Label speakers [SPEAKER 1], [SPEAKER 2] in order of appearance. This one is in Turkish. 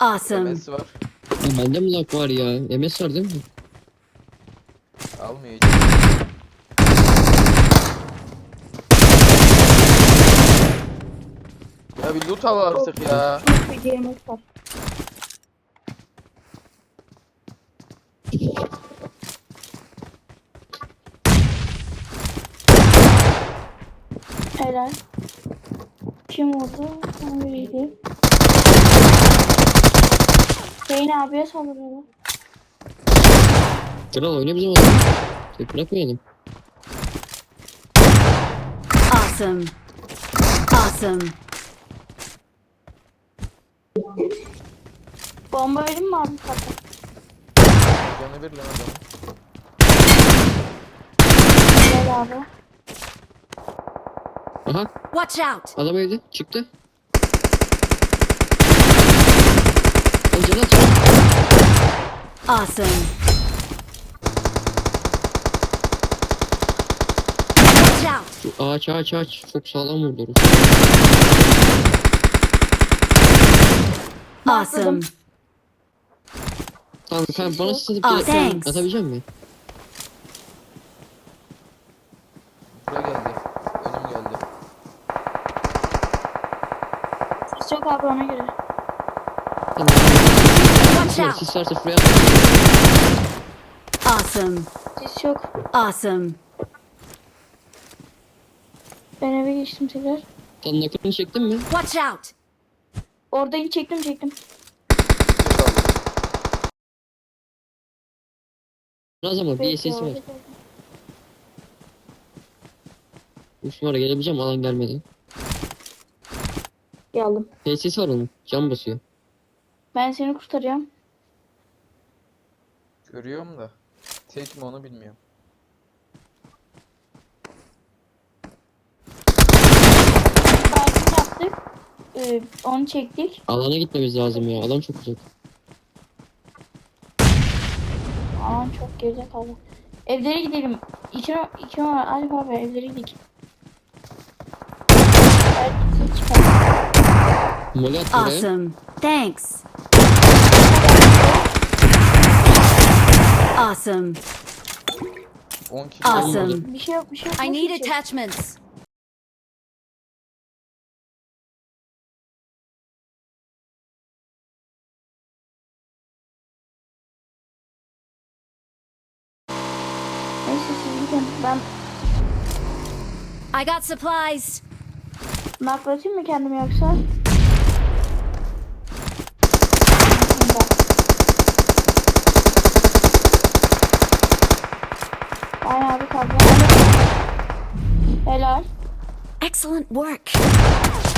[SPEAKER 1] Awesome.
[SPEAKER 2] MS var.
[SPEAKER 3] Ya bende mi lag var ya? MS var değil mi?
[SPEAKER 2] Almıyor hiç. Ya bir loot al artık ya.
[SPEAKER 4] Bir yemek var. Helal. Kim vurdu? Ben biriydi. Hüseyin abiye saldırıyorlar.
[SPEAKER 3] Kral oyna bizim adam. Tek bırakmayalım.
[SPEAKER 1] Awesome. Awesome.
[SPEAKER 4] Bomba verin mi abi kata?
[SPEAKER 2] Canı bir lan adamın.
[SPEAKER 4] Helal abi.
[SPEAKER 3] Aha
[SPEAKER 1] Watch out.
[SPEAKER 3] adam öldü. Çıktı. Önce nasıl?
[SPEAKER 1] Awesome. Watch out.
[SPEAKER 3] Ağaç. Çok sağlam vurdu.
[SPEAKER 1] Awesome.
[SPEAKER 3] Tamam bana sıkıntı
[SPEAKER 1] Ah, thanks.
[SPEAKER 3] atabilecek misin?
[SPEAKER 2] Buraya geldi. Önüm geldi.
[SPEAKER 4] Ses yok abi ona göre.
[SPEAKER 3] Tamam.
[SPEAKER 1] Watch out.
[SPEAKER 3] Sis varsa şuraya
[SPEAKER 1] Awesome.
[SPEAKER 4] Ses yok.
[SPEAKER 1] Awesome.
[SPEAKER 4] Ben eve geçtim tekrar.
[SPEAKER 3] Sen nakını çektin mi?
[SPEAKER 1] Watch out.
[SPEAKER 4] Oradan çektim.
[SPEAKER 3] Ne zaman bir ses var. Üç numara gelebileceğim alan gelmedi.
[SPEAKER 4] Geldim.
[SPEAKER 3] Ses var onun. Cam basıyor.
[SPEAKER 4] Ben seni kurtaracağım.
[SPEAKER 2] Görüyorum da. Tek mi onu bilmiyorum.
[SPEAKER 4] Baygın yaptık. Onu çektik.
[SPEAKER 3] Alana gitmemiz lazım ya. Alan çok uzak.
[SPEAKER 4] Aman çok geride kaldı. Evlere gidelim. İki numara Alp abi evlere gidelim. Belki çıkar.
[SPEAKER 3] Mole at buraya.
[SPEAKER 1] Awesome. Thanks. Awesome.
[SPEAKER 2] 10 kilo.
[SPEAKER 1] Awesome.
[SPEAKER 4] Bir şey yok.
[SPEAKER 1] I need
[SPEAKER 4] Nasıl içecek?
[SPEAKER 1] attachments.
[SPEAKER 4] Neyse siz gidin. Ben
[SPEAKER 1] I got supplies.
[SPEAKER 4] naklatayım mı kendimi yoksa? Aynen abi kaldı. Helal.
[SPEAKER 1] Excellent work.